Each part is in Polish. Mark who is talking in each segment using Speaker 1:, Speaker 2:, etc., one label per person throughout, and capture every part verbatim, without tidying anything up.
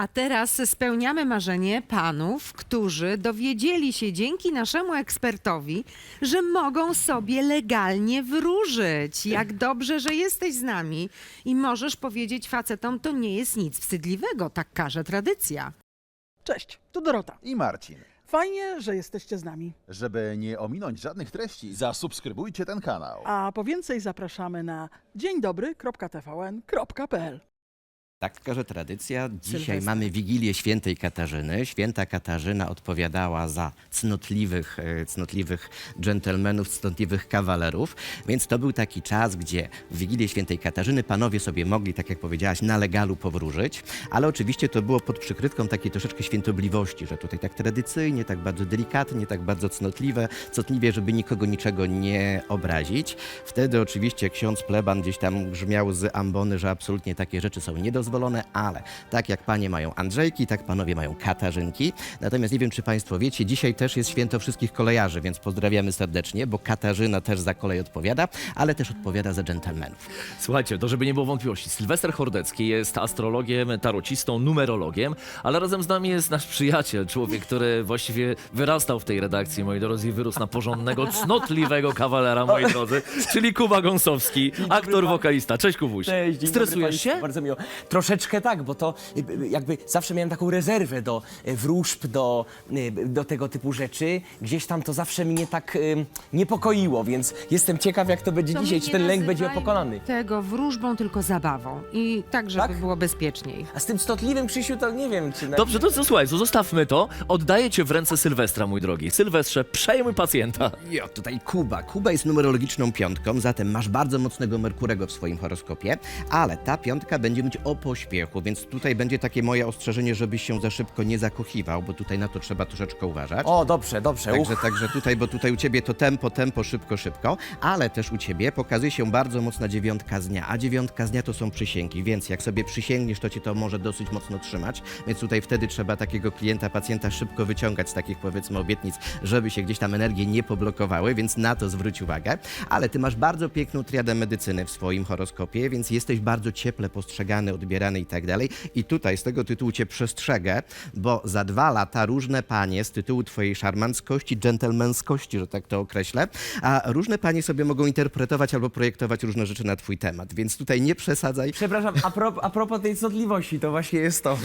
Speaker 1: A teraz spełniamy marzenie panów, którzy dowiedzieli się dzięki naszemu ekspertowi, że mogą sobie legalnie wróżyć. Jak dobrze, że jesteś z nami i możesz powiedzieć facetom, to nie jest nic wstydliwego, tak każe tradycja.
Speaker 2: Cześć, tu Dorota.
Speaker 3: I Marcin.
Speaker 2: Fajnie, że jesteście z nami.
Speaker 3: Żeby nie ominąć żadnych treści, zasubskrybujcie ten kanał.
Speaker 2: A po więcej zapraszamy na dzień dobry kropka t v n kropka p l.
Speaker 4: Tak każe tradycja. Dzisiaj
Speaker 1: Sylwester.
Speaker 4: mamy Wigilię Świętej Katarzyny. Święta Katarzyna odpowiadała za cnotliwych, e, cnotliwych dżentelmenów, cnotliwych kawalerów. Więc to był taki czas, gdzie w Wigilię Świętej Katarzyny panowie sobie mogli, tak jak powiedziałaś, na legalu powróżyć. Ale oczywiście to było pod przykrywką takiej troszeczkę świętobliwości, że tutaj tak tradycyjnie, tak bardzo delikatnie, tak bardzo cnotliwe, cnotliwie, żeby nikogo niczego nie obrazić. Wtedy oczywiście ksiądz pleban gdzieś tam grzmiał z ambony, że absolutnie takie rzeczy są niedozwolone. Ale tak jak panie mają Andrzejki, tak panowie mają Katarzynki. Natomiast nie wiem, czy państwo wiecie, dzisiaj też jest święto wszystkich kolejarzy, więc pozdrawiamy serdecznie, bo Katarzyna też za kolej odpowiada, ale też odpowiada za dżentelmenów.
Speaker 5: Słuchajcie, to żeby nie było wątpliwości, Sylwester Hordecki jest astrologiem, tarocistą, numerologiem, ale razem z nami jest nasz przyjaciel, człowiek, który właściwie wyrastał w tej redakcji, moi drodzy, i wyrósł na porządnego, cnotliwego kawalera, moi drodzy, czyli Kuba Gąsowski, aktor, wokalista. Cześć, Kubuś.
Speaker 6: Cześć, dzień dobry
Speaker 5: Stresujesz
Speaker 6: państwu,
Speaker 5: się?
Speaker 6: Bardzo miło. Troszeczkę tak, bo to y, y, jakby zawsze miałem taką rezerwę do y, wróżb, do, y, do tego typu rzeczy. Gdzieś tam to zawsze mnie tak y, niepokoiło, więc jestem ciekaw, jak to będzie
Speaker 1: To
Speaker 6: dzisiaj,
Speaker 1: my
Speaker 6: czy
Speaker 1: nie
Speaker 6: ten lęk będzie
Speaker 1: nazywajmy
Speaker 6: pokonany.
Speaker 1: tego wróżbą, tylko zabawą. I tak, żeby
Speaker 6: Tak?
Speaker 1: było bezpieczniej.
Speaker 6: A z tym stotliwym, Krzysiu, to nie wiem, czy... na-
Speaker 5: Dobrze, to co, słuchaj, to zostawmy to. Oddaję cię w ręce Sylwestra, mój drogi. Sylwestrze, przejmuj pacjenta.
Speaker 4: Jo, tutaj Kuba. Kuba jest numerologiczną piątką, zatem masz bardzo mocnego Merkurego w swoim horoskopie, ale ta piątka będzie mieć o pośpiechu, więc tutaj będzie takie moje ostrzeżenie, żebyś się za szybko nie zakochiwał, bo tutaj na to trzeba troszeczkę uważać.
Speaker 6: O, dobrze, dobrze.
Speaker 4: Także,
Speaker 6: Uch.
Speaker 4: także tutaj, bo tutaj u ciebie to tempo, tempo, szybko, szybko, ale też u ciebie pokazuje się bardzo mocna dziewiątka z dnia, a dziewiątka z dnia to są przysięgi, więc jak sobie przysięgniesz, to cię to może dosyć mocno trzymać, więc tutaj wtedy trzeba takiego klienta, pacjenta szybko wyciągać z takich, powiedzmy, obietnic, żeby się gdzieś tam energie nie poblokowały, więc na to zwróć uwagę. Ale ty masz bardzo piękną triadę medycyny w swoim horoskopie, więc jesteś bardzo cieple postrzegany, odbierany i tak dalej. I tutaj z tego tytułu cię przestrzegę, bo za dwa lata różne panie z tytułu twojej szarmanckości, dżentelmenskości, że tak to określę, a różne panie sobie mogą interpretować albo projektować różne rzeczy na twój temat, więc tutaj nie przesadzaj.
Speaker 6: Przepraszam, a, pro, a propos tej cnotliwości, to właśnie jest to.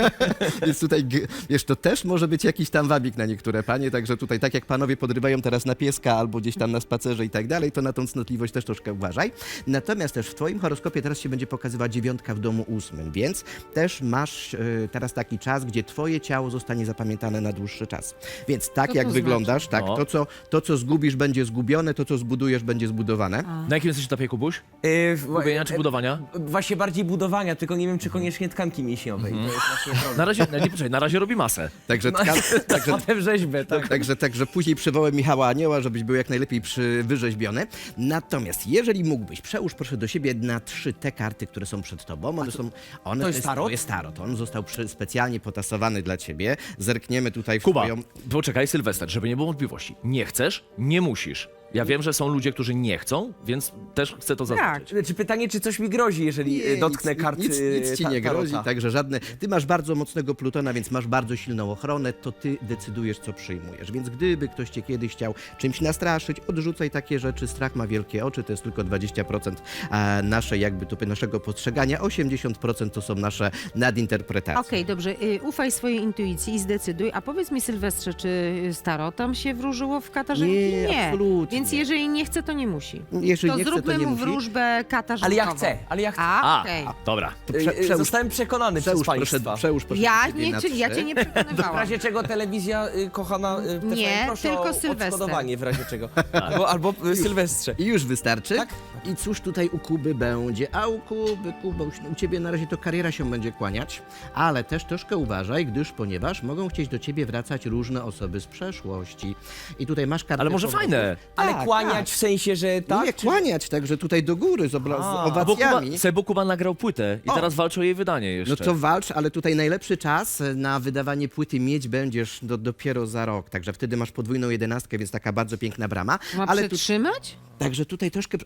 Speaker 4: Więc tutaj, g- wiesz, to też może być jakiś tam wabik na niektóre panie, także tutaj tak jak panowie podrywają teraz na pieska albo gdzieś tam na spacerze i tak dalej, to na tą cnotliwość też troszkę uważaj. Natomiast też w twoim horoskopie teraz się będzie pokazywała dziewiątka w domu ósmym, więc też masz y, teraz taki czas, gdzie twoje ciało zostanie zapamiętane na dłuższy czas. Więc tak
Speaker 1: Co to
Speaker 4: jak
Speaker 1: znaczy?
Speaker 4: wyglądasz, tak,
Speaker 5: No.
Speaker 4: to co, to co zgubisz będzie zgubione, to co zbudujesz będzie zbudowane.
Speaker 5: Na jakim jesteś etapie, Kubuś?
Speaker 6: Yy, w-
Speaker 5: Gubienia czy budowania?
Speaker 6: Właśnie bardziej budowania, tylko nie wiem, czy koniecznie tkanki mięśniowej. To jest właśnie problem.
Speaker 5: Na razie, nie, poczekaj, na razie robi masę.
Speaker 4: Także,
Speaker 6: No,
Speaker 4: tka- także
Speaker 6: potem rzeźbę, tak.
Speaker 4: Także, także później przywołałem Michała Anioła, żebyś był jak najlepiej przy, wyrzeźbiony. Natomiast jeżeli mógłbyś, przełóż proszę do siebie na trzy te karty, które są przed tobą. One są, one
Speaker 6: to jest tarot?
Speaker 4: To jest tarot. On został przy, specjalnie potasowany dla ciebie. Zerkniemy tutaj w
Speaker 5: Kuba,
Speaker 4: twoją...
Speaker 5: poczekaj, Sylwester, żeby nie było wątpliwości. Nie chcesz, nie musisz. Ja wiem, że są ludzie, którzy nie chcą, więc też chcę to zaznaczyć.
Speaker 6: Czy pytanie, czy coś mi grozi, jeżeli
Speaker 4: Nie,
Speaker 6: dotknę
Speaker 4: nic,
Speaker 6: kart
Speaker 4: Nic, nic ci
Speaker 6: ta-
Speaker 4: nie grozi,
Speaker 6: tarota?
Speaker 4: także żadne... Ty masz bardzo mocnego Plutona, więc masz bardzo silną ochronę, to ty decydujesz, co przyjmujesz. Więc gdyby ktoś cię kiedyś chciał czymś nastraszyć, odrzucaj takie rzeczy. Strach ma wielkie oczy, to jest tylko dwadzieścia procent a naszej jakby tu naszego postrzegania, osiemdziesiąt procent to są nasze nadinterpretacje.
Speaker 1: Okej, dobrze. Y, ufaj swojej intuicji i zdecyduj. A powiedz mi, Sylwestrze, czy z tarotem się wróżyło w Katarzynki?
Speaker 4: Nie, absolutnie.
Speaker 1: Więc jeżeli nie chce, to nie musi.
Speaker 4: Jeżeli
Speaker 1: To
Speaker 4: nie chce,
Speaker 1: zróbmy
Speaker 4: to nie
Speaker 1: mu
Speaker 4: musi.
Speaker 1: wróżbę katarzynową.
Speaker 6: Ale ja chcę, ale ja chcę.
Speaker 1: A,
Speaker 5: A,
Speaker 1: okej.
Speaker 5: dobra.
Speaker 4: To
Speaker 6: Yy,
Speaker 4: prze, przełóż,
Speaker 6: Zostałem przekonany
Speaker 4: przełóż,
Speaker 6: przez
Speaker 4: proszę,
Speaker 6: państwa.
Speaker 4: przełóż proszę
Speaker 1: Ja,
Speaker 4: do siebie
Speaker 1: nie,
Speaker 4: na
Speaker 1: czy, ja
Speaker 4: trzy.
Speaker 1: cię nie
Speaker 6: W
Speaker 1: przekonywałam.
Speaker 6: razie czego telewizja y, kochana y, T V N,
Speaker 1: Nie,
Speaker 6: proszę
Speaker 1: tylko
Speaker 6: o
Speaker 1: Sylwester.
Speaker 6: odszkodowanie w razie czego. Albo, albo y, Sylwestrze.
Speaker 4: I już wystarczy.
Speaker 6: Tak?
Speaker 4: I cóż tutaj u Kuby będzie? A u Kuby, Kuba, u ciebie na razie to kariera się będzie kłaniać, ale też troszkę uważaj, gdyż ponieważ mogą chcieć do ciebie wracać różne osoby z przeszłości. I tutaj masz kartę
Speaker 5: Ale może
Speaker 4: powrotu.
Speaker 5: fajne.
Speaker 6: Ale
Speaker 4: Tak,
Speaker 6: kłaniać
Speaker 4: tak.
Speaker 6: w sensie, że tak?
Speaker 4: Nie, kłaniać, także tutaj do góry z, obla- z
Speaker 6: A,
Speaker 5: Bo Kuba,
Speaker 4: owacjami.
Speaker 5: Sebo Kuba nagrał płytę i
Speaker 4: O.
Speaker 5: teraz walczy o jej wydanie jeszcze.
Speaker 4: No to walcz, ale tutaj najlepszy czas na wydawanie płyty mieć będziesz do, dopiero za rok, także wtedy masz podwójną jedenastkę, więc taka bardzo piękna brama.
Speaker 1: Ma
Speaker 4: ale tu,
Speaker 1: przytrzymać?
Speaker 4: także tutaj troszkę, chyba że coś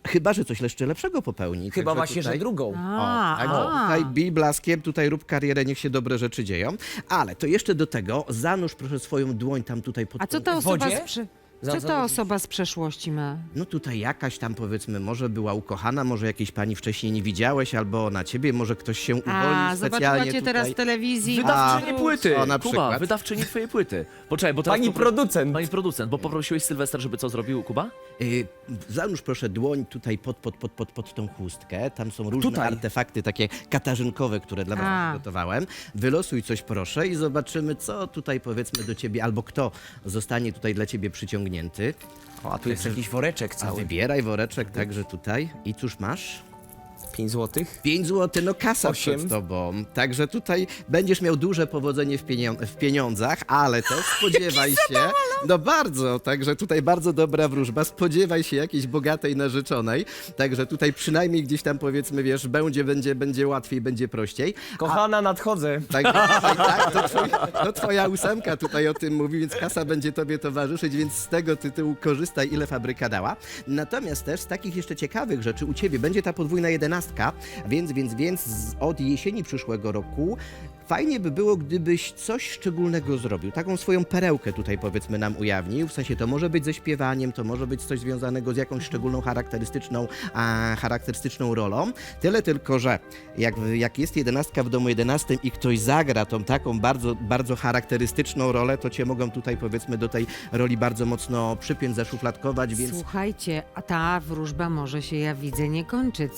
Speaker 4: coś jeszcze lepszego popełni.
Speaker 6: Chyba
Speaker 4: Także
Speaker 6: właśnie,
Speaker 4: tutaj...
Speaker 6: że drugą.
Speaker 1: A,
Speaker 4: O, także
Speaker 1: a.
Speaker 4: tutaj bij blaskiem, tutaj rób karierę, niech się dobre rzeczy dzieją. Ale to jeszcze do tego zanurz proszę swoją dłoń tam tutaj pod
Speaker 1: A co
Speaker 4: tą-
Speaker 1: ta osoba
Speaker 6: wodzie?
Speaker 1: z prze...
Speaker 6: Za-
Speaker 1: Co
Speaker 6: za-
Speaker 1: ta osoba z przeszłości ma?
Speaker 4: No tutaj jakaś tam powiedzmy, może była ukochana, może jakiejś pani wcześniej nie widziałeś, albo na ciebie, może ktoś się uwolnił
Speaker 1: A, zobaczyła
Speaker 4: specjalnie
Speaker 1: cię
Speaker 4: tutaj.
Speaker 1: teraz w telewizji.
Speaker 5: Wydawczyni
Speaker 4: A,
Speaker 5: płyty,
Speaker 4: o, na
Speaker 5: Kuba,
Speaker 4: przykład.
Speaker 5: wydawczyni twojej płyty. Poczekaj, bo teraz
Speaker 6: Pani
Speaker 5: popro-
Speaker 6: producent.
Speaker 5: Pani producent, bo poprosiłeś Sylwester, żeby co zrobił Kuba?
Speaker 4: Y, zanurz proszę dłoń tutaj pod, pod, pod, pod, pod tą chustkę. Tam są różne
Speaker 6: Tutaj.
Speaker 4: artefakty takie katarzynkowe, które dla was
Speaker 1: A.
Speaker 4: przygotowałem. Wylosuj coś proszę i zobaczymy, co tutaj powiedzmy do ciebie, albo kto zostanie tutaj dla ciebie przyciągnięty.
Speaker 6: O, a tu jest jakiś woreczek
Speaker 4: A
Speaker 6: cały.
Speaker 4: wybieraj woreczek także tutaj. I cóż masz?
Speaker 6: pięć złotych.
Speaker 4: pięć złotych, no kasa
Speaker 6: Osiem.
Speaker 4: przed tobą. Także tutaj będziesz miał duże powodzenie w, pienio- w pieniądzach, ale też spodziewaj się. No bardzo, także tutaj bardzo dobra wróżba. Spodziewaj się jakiejś bogatej narzeczonej. Także tutaj przynajmniej gdzieś tam powiedzmy, wiesz, będzie, będzie, będzie łatwiej, będzie prościej.
Speaker 6: Kochana, nadchodzę.
Speaker 4: Tak, tak, tak to, twoi, to twoja ósemka tutaj o tym mówi, więc kasa będzie tobie towarzyszyć, więc z tego tytułu korzystaj, ile fabryka dała. Natomiast też z takich jeszcze ciekawych rzeczy u ciebie będzie ta podwójna jedenastka, więc, więc, więc z- od jesieni przyszłego roku fajnie by było, gdybyś coś szczególnego zrobił. Taką swoją perełkę tutaj powiedzmy nam ujawnił. W sensie to może być ze śpiewaniem, to może być coś związanego z jakąś szczególną charakterystyczną, a, charakterystyczną rolą. Tyle tylko, że jak, jak jest jedenastka w domu jedenastym i ktoś zagra tą taką bardzo, bardzo charakterystyczną rolę, to cię mogą tutaj powiedzmy do tej roli bardzo mocno przypiąć, zaszufladkować, więc
Speaker 1: Słuchajcie, a ta wróżba może się, ja widzę, nie kończyć.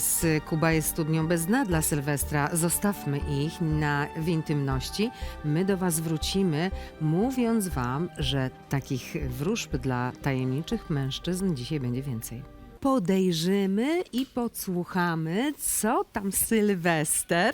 Speaker 1: Z Kuba jest studnią bez dna dla Sylwestra. Zostawmy ich na, w intymności. My do was wrócimy, mówiąc wam, że takich wróżb dla tajemniczych mężczyzn dzisiaj będzie więcej. Podejrzymy i podsłuchamy, co tam Sylwester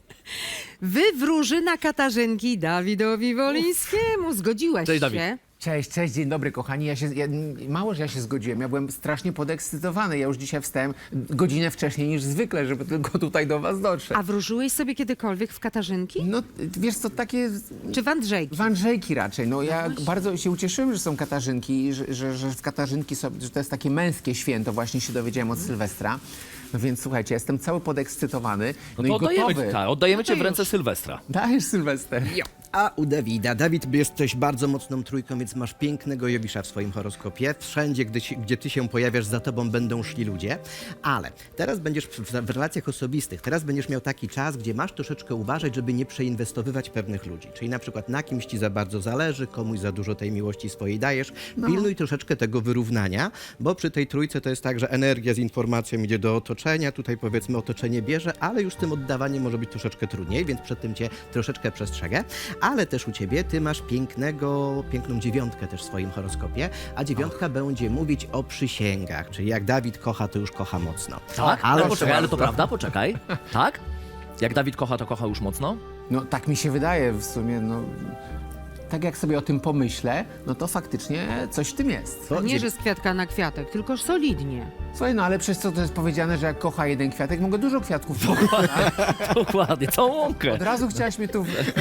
Speaker 1: wywróży na Katarzynki Dawidowi Wolińskiemu. Zgodziłeś
Speaker 5: Cześć, Dawid.
Speaker 1: się?
Speaker 7: Cześć, cześć, dzień dobry kochani. Ja się, ja, mało, że ja się zgodziłem, ja byłem strasznie podekscytowany. Ja już dzisiaj wstałem godzinę wcześniej niż zwykle, żeby tylko tutaj do was dotrzeć.
Speaker 1: A wróżyłeś sobie kiedykolwiek w Katarzynki?
Speaker 7: No wiesz co, takie
Speaker 1: Czy w Andrzejki?
Speaker 7: w Andrzejki raczej. No ja bardzo się ucieszyłem, że są Katarzynki, że, że, że w Katarzynki są, że to jest takie męskie święto, właśnie się dowiedziałem od Sylwestra. No więc słuchajcie, jestem cały podekscytowany.
Speaker 5: No,
Speaker 7: No,
Speaker 5: to
Speaker 7: i
Speaker 5: oddajemy,
Speaker 7: gotowy.
Speaker 5: tak, oddajemy cię w
Speaker 7: już.
Speaker 5: ręce Sylwestra.
Speaker 7: Dajesz Sylwester.
Speaker 4: A u Dawida. Dawid, jesteś bardzo mocną trójką, więc masz pięknego Jowisza w swoim horoskopie. Wszędzie, gdy, ci- gdzie ty się pojawiasz, za tobą będą szli ludzie. Ale teraz będziesz w, w relacjach osobistych, teraz będziesz miał taki czas, gdzie masz troszeczkę uważać, żeby nie przeinwestowywać pewnych ludzi. Czyli na przykład na kimś ci za bardzo zależy, komuś za dużo tej miłości swojej dajesz. Pilnuj troszeczkę tego wyrównania, bo przy tej trójce to jest tak, że energia z informacją idzie do otoczenia, tutaj powiedzmy otoczenie bierze, ale już z tym oddawaniem może być troszeczkę trudniej, więc przed tym cię troszeczkę przestrzegę. Ale też u ciebie, ty masz pięknego, piękną dziewiątkę też w swoim horoskopie, a dziewiątka będzie mówić o przysięgach, czyli jak Dawid kocha, to już kocha mocno.
Speaker 5: Tak? Ale,
Speaker 4: Ale
Speaker 5: poczekaj, ale to prawda, poczekaj. Tak? Jak Dawid kocha, to kocha już mocno?
Speaker 7: No tak mi się wydaje w sumie, no... Tak jak sobie o tym pomyślę, no to faktycznie coś w tym jest.
Speaker 4: To
Speaker 1: Nie,
Speaker 4: dziew-
Speaker 1: że z kwiatka na kwiatek, tylko solidnie.
Speaker 7: Słuchaj, no ale przez co to jest powiedziane, że jak kocha jeden kwiatek, mogę dużo kwiatków kochać.
Speaker 5: Dokładnie, całą łąkę.
Speaker 7: Od razu chciałaś mnie tu...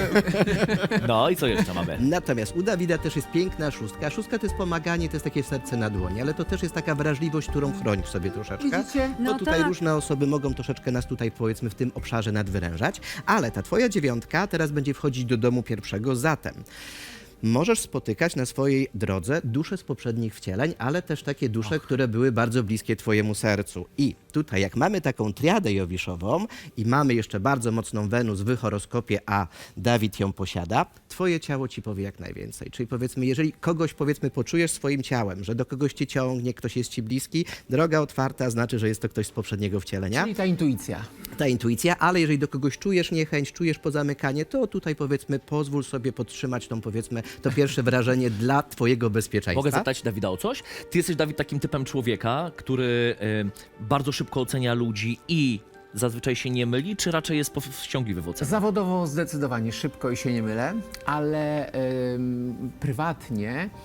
Speaker 5: No i co jeszcze mamy?
Speaker 4: Natomiast u Dawida też jest piękna szóstka. Szóstka to jest pomaganie, to jest takie serce na dłoni, ale to też jest taka wrażliwość, którą chronisz sobie troszeczkę.
Speaker 7: Widzicie?
Speaker 4: Bo
Speaker 1: No
Speaker 4: tutaj
Speaker 1: tak.
Speaker 4: różne osoby mogą troszeczkę nas tutaj powiedzmy w tym obszarze nadwyrężać, ale ta twoja dziewiątka teraz będzie wchodzić do domu pierwszego, zatem możesz spotykać na swojej drodze dusze z poprzednich wcieleń, ale też takie dusze, które były bardzo bliskie twojemu sercu. I tutaj jak mamy taką triadę jowiszową i mamy jeszcze bardzo mocną Wenus w horoskopie, a Dawid ją posiada, twoje ciało ci powie jak najwięcej. Czyli powiedzmy, jeżeli kogoś powiedzmy poczujesz swoim ciałem, że do kogoś cię ciągnie, ktoś jest ci bliski, droga otwarta znaczy, że jest to ktoś z poprzedniego wcielenia.
Speaker 7: Czyli ta intuicja.
Speaker 4: Ta intuicja, ale jeżeli do kogoś czujesz niechęć, czujesz pozamykanie, to tutaj powiedzmy pozwól sobie podtrzymać tą powiedzmy to pierwsze wrażenie dla twojego bezpieczeństwa.
Speaker 5: Mogę zapytać Dawida o coś? Ty jesteś, Dawid, takim typem człowieka, który y, bardzo szybko ocenia ludzi i zazwyczaj się nie myli, czy raczej jest powściągliwy w ocenie?
Speaker 7: Zawodowo zdecydowanie szybko i się nie mylę, ale ym, prywatnie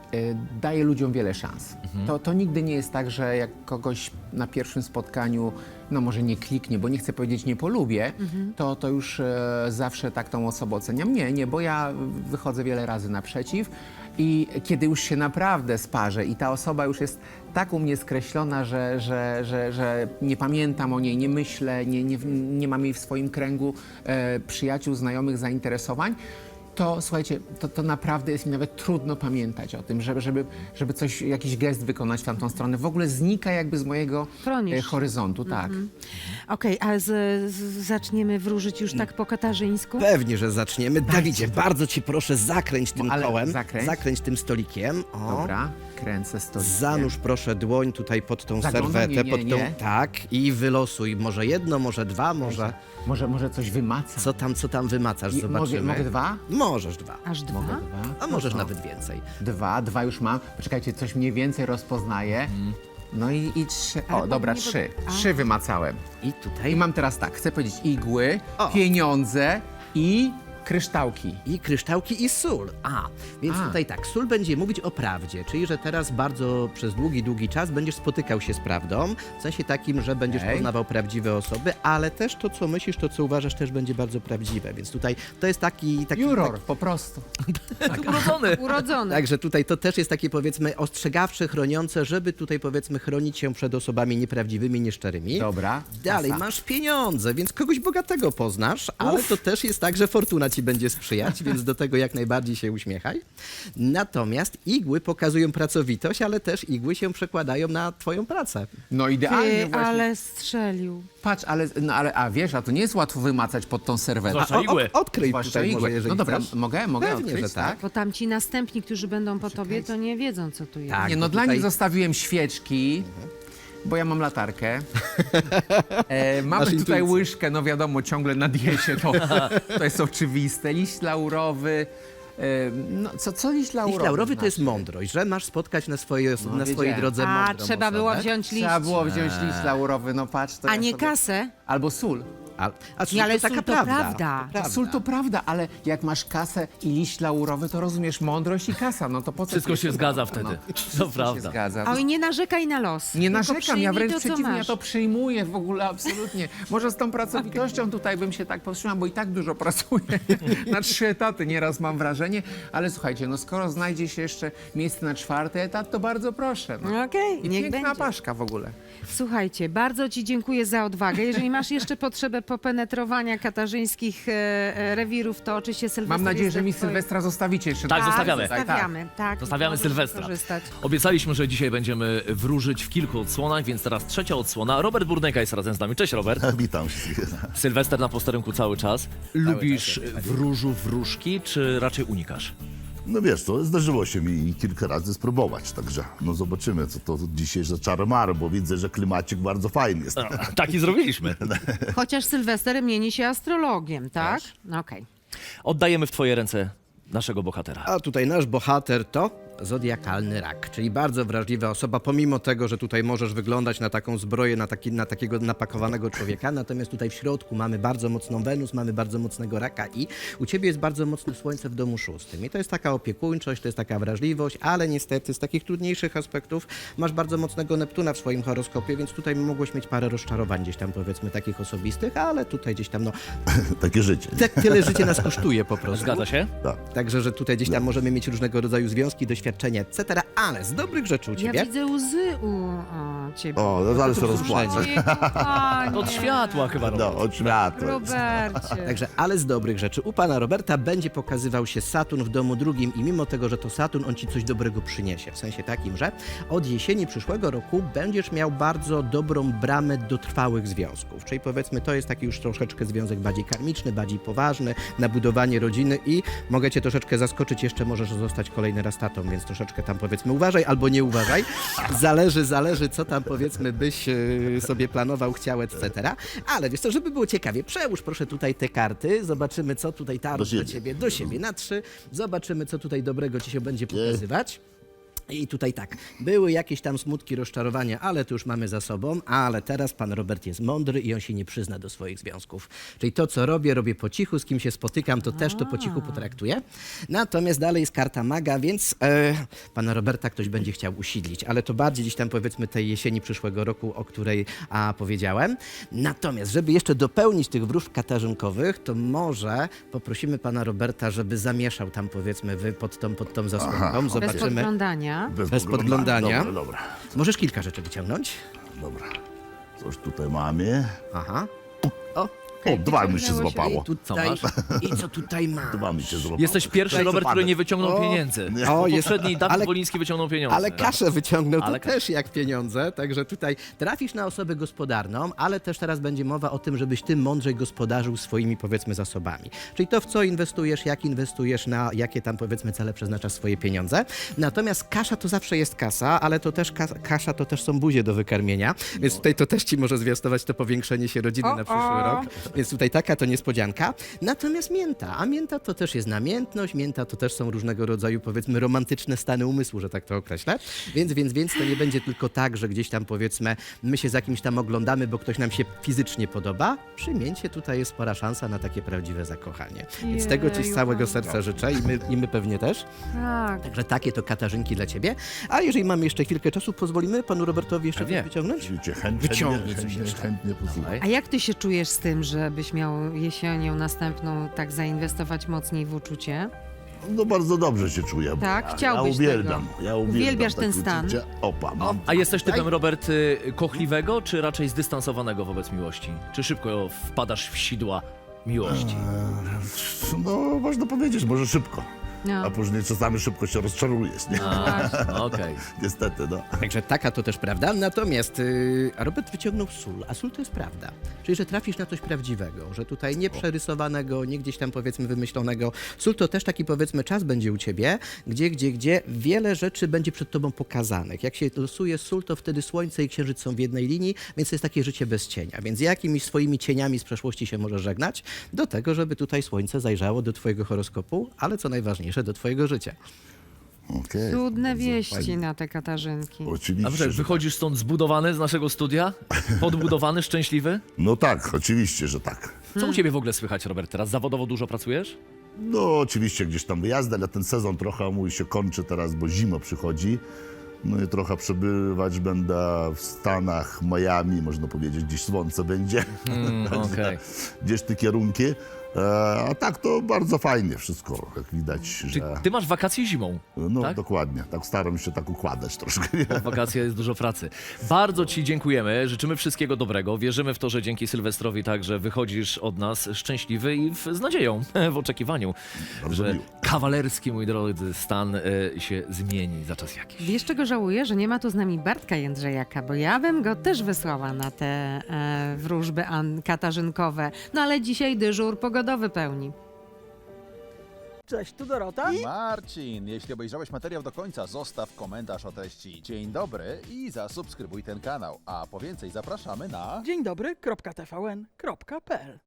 Speaker 7: y, daje ludziom wiele szans. To, to nigdy nie jest tak, że jak kogoś na pierwszym spotkaniu, no może nie kliknie, bo nie chcę powiedzieć nie polubię, to, to już e, zawsze tak tą osobę oceniam. Nie, nie, bo ja wychodzę wiele razy naprzeciw i kiedy już się naprawdę sparzę i ta osoba już jest tak u mnie skreślona, że, że, że, że nie pamiętam o niej, nie myślę, nie, nie, nie mam jej w swoim kręgu e, przyjaciół, znajomych, zainteresowań, to słuchajcie, to, to naprawdę jest mi nawet trudno pamiętać o tym, żeby, żeby, żeby coś, jakiś gest wykonać w tamtą stronę. W ogóle znika jakby z mojego
Speaker 1: Chronisz.
Speaker 7: e, horyzontu, tak.
Speaker 1: Okej, a z, z, zaczniemy wróżyć już tak po katarzyńsku?
Speaker 4: Pewnie, że zaczniemy. Dawidzie, bardzo ci proszę, zakręć tym
Speaker 7: Ale
Speaker 4: kołem,
Speaker 7: zakręć.
Speaker 4: tym stolikiem. O.
Speaker 7: Dobra, kręcę stolikiem.
Speaker 4: Zanurz proszę dłoń tutaj pod tą
Speaker 7: Zaglądam?
Speaker 4: serwetę,
Speaker 7: Nie, nie,
Speaker 4: pod tą.
Speaker 7: nie.
Speaker 4: Tak, i wylosuj może jedno, może dwa, może.
Speaker 7: Może, może coś wymacam?
Speaker 4: Co tam, co tam wymacasz?
Speaker 7: I-
Speaker 4: Zobaczymy.
Speaker 7: mogę- mogę dwa?
Speaker 4: Możesz dwa.
Speaker 1: Aż dwa?
Speaker 7: Mogę dwa?
Speaker 4: A możesz
Speaker 7: No to
Speaker 4: nawet więcej.
Speaker 7: Dwa, dwa już mam. Poczekajcie, coś mniej więcej rozpoznaję. No i, i trzy. O,
Speaker 1: Ale
Speaker 7: dobra,
Speaker 1: nie
Speaker 7: trzy.
Speaker 1: pod- a.
Speaker 7: Trzy wymacałem.
Speaker 4: I tutaj.
Speaker 7: I mam teraz tak, chcę powiedzieć igły,
Speaker 4: O.
Speaker 7: pieniądze i kryształki.
Speaker 4: I kryształki i sól. A, więc
Speaker 7: A.
Speaker 4: tutaj tak, sól będzie mówić o prawdzie, czyli że teraz bardzo przez długi, długi czas będziesz spotykał się z prawdą, w sensie takim, że będziesz
Speaker 7: Okej.
Speaker 4: poznawał prawdziwe osoby, ale też to, co myślisz, to, co uważasz, też będzie bardzo prawdziwe, więc tutaj to jest taki... taki
Speaker 7: Juror,
Speaker 4: taki
Speaker 7: po prostu.
Speaker 5: Urodzony.
Speaker 1: Urodzony.
Speaker 4: Także tutaj to też jest takie, powiedzmy, ostrzegawcze, chroniące, żeby tutaj, powiedzmy, chronić się przed osobami nieprawdziwymi, nieszczerymi.
Speaker 7: Dobra.
Speaker 4: Dalej,
Speaker 7: kasa.
Speaker 4: masz pieniądze, więc kogoś bogatego poznasz, ale to też jest tak, że fortuna ci będzie sprzyjać, więc do tego jak najbardziej się uśmiechaj. Natomiast igły pokazują pracowitość, ale też igły się przekładają na twoją pracę.
Speaker 7: No idealnie
Speaker 1: Ty,
Speaker 7: właśnie.
Speaker 1: ale strzelił.
Speaker 7: Patrz, ale, no, ale, a wiesz, a to nie jest łatwo wymacać pod tą serwetę.
Speaker 5: Zwłaszcza
Speaker 4: O,
Speaker 5: igły.
Speaker 4: o, odkryj
Speaker 7: Zwłaszcza
Speaker 4: tutaj
Speaker 7: igły.
Speaker 4: może, jeżeli
Speaker 7: No dobra,
Speaker 4: chcesz.
Speaker 7: mogę, mogę
Speaker 4: Pewnie,
Speaker 7: odkryć,
Speaker 4: że tak.
Speaker 1: Bo tam ci następni, którzy będą po tobie, to nie wiedzą, co tu jest.
Speaker 4: Tak.
Speaker 7: Nie, no
Speaker 4: bo
Speaker 7: dla
Speaker 4: tutaj-
Speaker 7: nich zostawiłem świeczki, bo ja mam latarkę. E, mamy
Speaker 4: Masz
Speaker 7: tutaj
Speaker 4: intuicję.
Speaker 7: łyżkę, no wiadomo, ciągle na diecie, to, to jest oczywiste. Liść laurowy. E, no, co, co liść laurowy?
Speaker 4: Liść laurowy to jest
Speaker 7: znaczy?
Speaker 4: mądrość, że masz spotkać na swojej, na swojej
Speaker 7: wiedziałem.
Speaker 4: drodze
Speaker 1: A,
Speaker 4: mądrą
Speaker 1: trzeba
Speaker 4: osobę.
Speaker 1: było wziąć liść.
Speaker 7: Trzeba było wziąć liść laurowy, no patrz. To
Speaker 1: A
Speaker 7: ja
Speaker 1: nie
Speaker 7: sobie...
Speaker 1: kasę?
Speaker 7: Albo sól.
Speaker 4: A, a
Speaker 1: Nie, ale
Speaker 4: to taka
Speaker 1: sól to
Speaker 4: prawda.
Speaker 1: prawda.
Speaker 4: To
Speaker 7: Ta sól to prawda, ale jak masz kasę i liść laurowy, to rozumiesz mądrość i kasa. No to po co?
Speaker 5: Wszystko
Speaker 7: ci
Speaker 5: się
Speaker 7: jest
Speaker 5: zgadza
Speaker 7: prawda?
Speaker 5: wtedy.
Speaker 7: No,
Speaker 5: To
Speaker 7: wszystko się
Speaker 5: prawda.
Speaker 7: zgadza.
Speaker 1: Oj, nie narzekaj na los.
Speaker 7: Nie
Speaker 1: tylko
Speaker 7: narzekam,
Speaker 1: przyjmij
Speaker 7: ja wręcz
Speaker 1: to, co
Speaker 7: przeciwnie, ja
Speaker 1: masz.
Speaker 7: to przyjmuję w ogóle, absolutnie. Może z tą pracowitością tutaj bym się tak powstrzymał, bo i tak dużo pracuję. Na trzy etaty nieraz mam wrażenie, ale słuchajcie, no skoro znajdzie się jeszcze miejsce na czwarty etat, to bardzo proszę. No.
Speaker 1: Okej,
Speaker 7: I
Speaker 1: niech
Speaker 7: piękna
Speaker 1: będzie.
Speaker 7: paszka w ogóle.
Speaker 1: Słuchajcie, bardzo ci dziękuję za odwagę. Jeżeli masz jeszcze potrzebę popenetrowania katarzyńskich e, e, rewirów, to oczywiście Sylwester
Speaker 7: Mam nadzieję,
Speaker 1: jest
Speaker 7: że
Speaker 1: w
Speaker 7: mi
Speaker 1: twoim-
Speaker 7: Sylwestra zostawicie jeszcze.
Speaker 5: Tak,
Speaker 7: na-
Speaker 5: zostawiamy.
Speaker 7: Tak, tak.
Speaker 1: Zostawiamy, tak.
Speaker 5: Zostawiamy
Speaker 1: możesz
Speaker 5: Sylwestra.
Speaker 1: korzystać.
Speaker 5: Obiecaliśmy, że dzisiaj będziemy wróżyć w kilku odsłonach, więc teraz trzecia odsłona. Robert Burnejka jest razem z nami. Cześć, Robert.
Speaker 8: Witam wszystkich.
Speaker 5: Sylwester na posterunku cały czas. Lubisz wróżu wróżki, czy raczej unikasz?
Speaker 8: No wiesz co, zdarzyło się mi kilka razy spróbować, także no zobaczymy, co to dzisiaj za czaromary, bo widzę, że klimacik bardzo fajny jest.
Speaker 5: Taki zrobiliśmy.
Speaker 1: Chociaż Sylwester mieni się astrologiem, tak? No okej.
Speaker 5: Oddajemy w twoje ręce naszego bohatera.
Speaker 4: A tutaj nasz bohater to zodiakalny rak, czyli bardzo wrażliwa osoba, pomimo tego, że tutaj możesz wyglądać na taką zbroję, na, taki, na takiego napakowanego człowieka, natomiast tutaj w środku mamy bardzo mocną Wenus, mamy bardzo mocnego raka i u ciebie jest bardzo mocne słońce w domu szóstym. I to jest taka opiekuńczość, to jest taka wrażliwość, ale niestety z takich trudniejszych aspektów masz bardzo mocnego Neptuna w swoim horoskopie, więc tutaj mogłeś mieć parę rozczarowań gdzieś tam, powiedzmy, takich osobistych, ale tutaj gdzieś tam, no,
Speaker 8: Takie życie.
Speaker 4: te, tyle życie nas kosztuje po prostu.
Speaker 5: Zgadza się?
Speaker 8: Tak.
Speaker 4: Także, że tutaj gdzieś tam możemy mieć różnego rodzaju związki, doświadczenia, et cetera. Ale z dobrych rzeczy u
Speaker 1: Ja
Speaker 4: ciebie.
Speaker 1: widzę łzy u o, ciebie.
Speaker 8: O, no zaraz się
Speaker 4: to
Speaker 8: rozpłaczę.
Speaker 1: Ojej, kochanie.
Speaker 5: Od światła chyba, Robert.
Speaker 8: No, od światła.
Speaker 1: Robercie.
Speaker 4: Także, ale z dobrych rzeczy. U pana Roberta będzie pokazywał się Saturn w domu drugim i mimo tego, że to Saturn, on ci coś dobrego przyniesie. W sensie takim, że od jesieni przyszłego roku będziesz miał bardzo dobrą bramę do trwałych związków. Czyli powiedzmy, to jest taki już troszeczkę związek bardziej karmiczny, bardziej poważny, na budowanie rodziny i mogę cię troszeczkę zaskoczyć, jeszcze możesz zostać kolejny raz tatą, więc troszeczkę tam powiedzmy uważaj albo nie uważaj. Zależy, zależy, co tam powiedzmy byś e, sobie planował, chciał, et cetera. Ale wiesz co, żeby było ciekawie, przełóż proszę tutaj te karty, zobaczymy, co tutaj tarot
Speaker 8: Do
Speaker 4: do
Speaker 8: siebie.
Speaker 4: ciebie, do siebie na trzy, zobaczymy, co tutaj dobrego ci się będzie pokazywać. I tutaj tak, były jakieś tam smutki, rozczarowania, ale to już mamy za sobą, ale teraz pan Robert jest mądry i on się nie przyzna do swoich związków. Czyli to, co robię, robię po cichu, z kim się spotykam, to też to po cichu potraktuję. Natomiast dalej jest karta maga, więc e, pana Roberta ktoś będzie chciał usidlić, ale to bardziej gdzieś tam powiedzmy tej jesieni przyszłego roku, o której a, powiedziałem. Natomiast, żeby jeszcze dopełnić tych wróżb katarzynkowych, to może poprosimy pana Roberta, żeby zamieszał tam powiedzmy wy pod tą, pod tą zasłonką.
Speaker 1: Bez
Speaker 4: Zobaczymy.
Speaker 1: podglądania.
Speaker 4: Bez podglądania.
Speaker 8: Dobra, dobra,
Speaker 4: Możesz kilka rzeczy wyciągnąć?
Speaker 8: dobra. Coś tutaj mamy.
Speaker 4: Aha. O,
Speaker 8: O, dwa mi się złapało.
Speaker 4: tutaj.
Speaker 5: masz?
Speaker 4: I co tutaj ma?
Speaker 8: Dwa mi się złapało.
Speaker 5: Jesteś pierwszy,
Speaker 8: Daj
Speaker 5: Robert,
Speaker 8: zapadek.
Speaker 5: który nie wyciągnął
Speaker 4: O,
Speaker 5: pieniędzy.
Speaker 8: nie.
Speaker 4: O,
Speaker 5: O,
Speaker 4: jest-
Speaker 5: poprzedni Dawid
Speaker 4: ale-
Speaker 5: Woliński wyciągnął pieniądze.
Speaker 4: Ale kaszę wyciągnął, to
Speaker 5: Ale kaszę.
Speaker 4: też jak pieniądze, także tutaj trafisz na osobę gospodarną, ale też teraz będzie mowa o tym, żebyś ty mądrzej gospodarzył swoimi powiedzmy zasobami. Czyli to, w co inwestujesz, jak inwestujesz, na jakie tam powiedzmy cele przeznaczasz swoje pieniądze. Natomiast kasza to zawsze jest kasa, ale to też kas- kasza to też są buzie do wykarmienia, więc tutaj to też ci może zwiastować to powiększenie się rodziny
Speaker 1: O,
Speaker 4: na przyszły
Speaker 1: o.
Speaker 4: rok. Więc tutaj taka to niespodzianka. Natomiast mięta, a mięta to też jest namiętność, mięta to też są różnego rodzaju powiedzmy romantyczne stany umysłu, że tak to określę. Więc, więc, więc to nie będzie tylko tak, że gdzieś tam powiedzmy my się z jakimś tam oglądamy, bo ktoś nam się fizycznie podoba. Przy mięcie tutaj jest spora szansa na takie prawdziwe zakochanie. Więc tego ci z
Speaker 1: Jeju,
Speaker 4: całego
Speaker 1: Pan.
Speaker 4: serca życzę i my, i my pewnie też.
Speaker 1: Tak.
Speaker 4: Także takie to katarzynki dla ciebie. A jeżeli mamy jeszcze chwilkę czasu, pozwolimy panu Robertowi jeszcze
Speaker 5: Pewnie.
Speaker 4: coś wyciągnąć?
Speaker 8: Oczywiście, chętnie,
Speaker 4: Wyciągnij coś
Speaker 8: chętnie,
Speaker 4: jeszcze.
Speaker 8: chętnie posłucham.
Speaker 1: A jak ty się czujesz z tym, żebyś miał jesienią następną tak zainwestować mocniej w uczucie?
Speaker 8: No bardzo dobrze się czuję. bo
Speaker 1: Tak?
Speaker 8: ja,
Speaker 1: Chciałbyś
Speaker 8: ja uwielbiam,
Speaker 1: tego.
Speaker 8: Ja uwielbiam
Speaker 1: Uwielbiasz
Speaker 8: takie
Speaker 1: ten stan?
Speaker 8: uczucie. Opa, mam.
Speaker 5: A jesteś typem, Robert, y, kochliwego, czy raczej zdystansowanego wobec miłości? Czy szybko wpadasz w sidła miłości?
Speaker 8: No, można powiedzieć, może szybko.
Speaker 1: No.
Speaker 8: A później czasami szybko się rozczarujesz, nie?
Speaker 5: A, Okej.
Speaker 8: Niestety, no.
Speaker 4: Także taka to też prawda. Natomiast yy, Robert wyciągnął sól, a sól to jest prawda. Czyli, że trafisz na coś prawdziwego, że tutaj nie przerysowanego, nie gdzieś tam powiedzmy wymyślonego. Sól to też taki powiedzmy czas będzie u ciebie, gdzie, gdzie, gdzie wiele rzeczy będzie przed tobą pokazanych. Jak się losuje sól, to wtedy słońce i księżyc są w jednej linii, więc to jest takie życie bez cienia. Więc jakimiś swoimi cieniami z przeszłości się możesz żegnać do tego, żeby tutaj słońce zajrzało do twojego horoskopu, ale co najważniejsze, do twojego życia.
Speaker 8: Okej.
Speaker 1: Cudne
Speaker 8: Bardzo
Speaker 1: wieści
Speaker 8: fajnie.
Speaker 1: na te katarzynki.
Speaker 8: Oczywiście.
Speaker 5: A proszę,
Speaker 8: że
Speaker 5: wychodzisz stąd zbudowany z naszego studia? Podbudowany, szczęśliwy?
Speaker 8: tak. No tak, oczywiście, że tak.
Speaker 5: Co u ciebie w ogóle słychać, Robert, teraz? Zawodowo dużo pracujesz?
Speaker 8: No oczywiście gdzieś tam wyjazdy, ale ten sezon trochę mój się kończy teraz, bo zima przychodzi. No i trochę przebywać będę w Stanach, Miami, można powiedzieć, gdzieś słońce będzie.
Speaker 5: Mm, okej.
Speaker 8: Gdzieś te kierunki. E, a tak to bardzo fajnie wszystko, jak widać,
Speaker 5: Czy
Speaker 8: że...
Speaker 5: ty masz wakacje zimą?
Speaker 8: No
Speaker 5: tak?
Speaker 8: dokładnie, tak staram się tak układać troszkę. Nie?
Speaker 5: W wakacje jest dużo pracy. Bardzo ci dziękujemy, życzymy wszystkiego dobrego. Wierzymy w to, że dzięki Sylwestrowi także wychodzisz od nas szczęśliwy i w, z nadzieją, w oczekiwaniu,
Speaker 8: Bardzo
Speaker 5: że
Speaker 8: miło.
Speaker 5: kawalerski, mój drodzy, stan y, się zmieni za czas jakiś.
Speaker 1: Wiesz, czego żałuję, że nie ma tu z nami Bartka Jędrzejaka, bo ja bym go też wysłała na te e, wróżby an- katarzynkowe. No ale dzisiaj dyżur pogodowy pełni.
Speaker 2: Cześć, tu Dorota.
Speaker 3: Marcin, jeśli obejrzałeś materiał do końca, zostaw komentarz o treści. Dzień dobry i zasubskrybuj ten kanał. A po więcej zapraszamy na...
Speaker 2: Dzień dobry, kropka T V N, kropka P L.